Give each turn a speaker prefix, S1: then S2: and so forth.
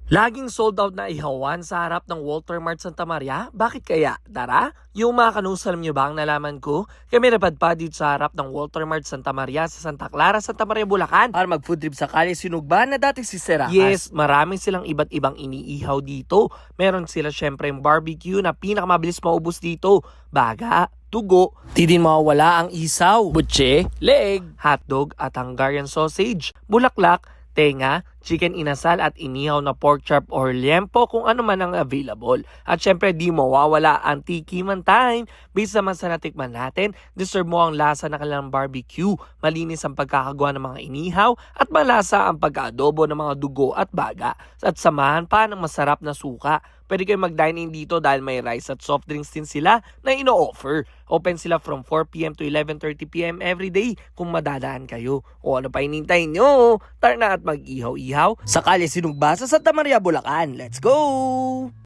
S1: Laging sold out na ihawan sa harap ng Walter Mart Santa Maria? Bakit kaya? Tara, yung mga kanusal nyo ba ang nalaman ko? Kami napadpad dito sa harap ng Walter Mart Santa Maria sa Santa Clara, Santa Maria, Bulacan para mag-food trip sa Calle Sinugba na dati si Serakas. Yes, marami silang iba't ibang iniihaw dito. Meron sila syempre yung barbecue na pinakamabilis maubos dito. Baga, tugo, di din mawawala ang isaw, butche, leg, hotdog at Hungarian sausage, bulaklak, tenga, chicken inasal at inihaw na pork chop or liempo kung ano man ang available. At syempre di mawawala ang tikiman time. Based naman sa natikman natin, deserve mo ang lasa ng kanilang barbecue. Malinis ang pagkakagawa ng mga inihaw at malasa ang pagka-adobo ng mga dugo at baga. At samahan pa ng masarap na suka. Pwede kayo mag-dine in dito dahil may rice at soft drinks din sila na ino-offer. Open sila from 4 p.m. to 11:30 p.m. every day kung madadaan kayo. O ano pa hinintay nyo? Tara na at mag-ihaw-ihaw sa Calle Sinugba sa Santa Maria, Bulacan. Let's go!